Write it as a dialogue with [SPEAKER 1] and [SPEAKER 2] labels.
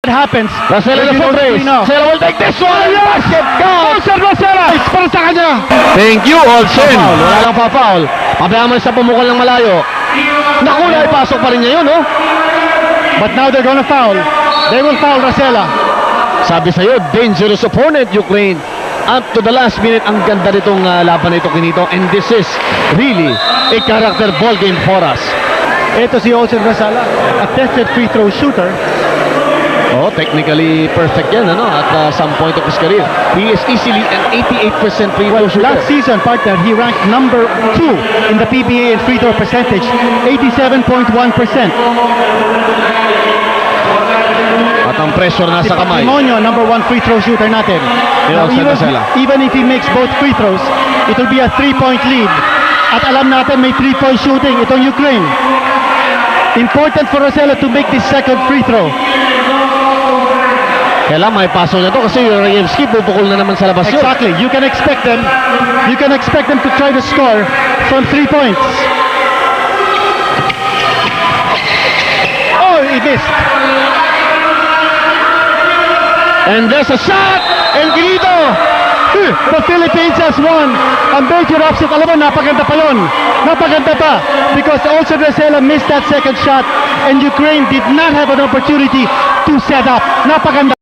[SPEAKER 1] happens.
[SPEAKER 2] Rosella
[SPEAKER 1] If you
[SPEAKER 2] the
[SPEAKER 1] don't
[SPEAKER 2] race.
[SPEAKER 1] see now.
[SPEAKER 2] Rosella will take this one. Basket count.
[SPEAKER 1] Olsen Rosella! It's para sa kanya!
[SPEAKER 2] Thank you, Olsen. Wala lang pa-foul. Pabayaan mo sa pumukol ng malayo. Naku, naipasok pa rin niya yun, oh.
[SPEAKER 1] But now they're gonna foul. They will foul Rosella.
[SPEAKER 2] Sabi sa'yo, dangerous opponent, Ukraine. Up to the last minute, ang ganda nitong laban na ito, Kinito. And this is really a character ball game for us.
[SPEAKER 1] Ito si Olsen Rosella, a tested free throw shooter.
[SPEAKER 2] Oh, technically perfect yan, ano? At some point of his career. He is easily an 88% free throw shooter.
[SPEAKER 1] Last season, partner, he ranked number 2 in the PBA in free throw percentage, 87.1%.
[SPEAKER 2] At ang pressure nasa kamay.
[SPEAKER 1] Patrimonio, number 1 free throw shooter natin. Now,
[SPEAKER 2] Olsen Rosella.
[SPEAKER 1] even if he makes both free throws, it will be a 3-point lead. At alam natin may 3-point shooting itong Ukraine. Important for Rosella to make this second free throw.
[SPEAKER 2] Kailan may pasok na to kasi Rayevsky pupukol na naman sa labas yun.
[SPEAKER 1] Exactly. You can expect them to try to score from 3 points. Oh, he missed.
[SPEAKER 2] And there's a shot! And Kinito!
[SPEAKER 1] The Philippines has won. Ang major upset, alam mo, napaganda pa yun. Napaganda pa. Because Olsen Rosella missed that second shot and Ukraine did not have an opportunity to set up. Napaganda.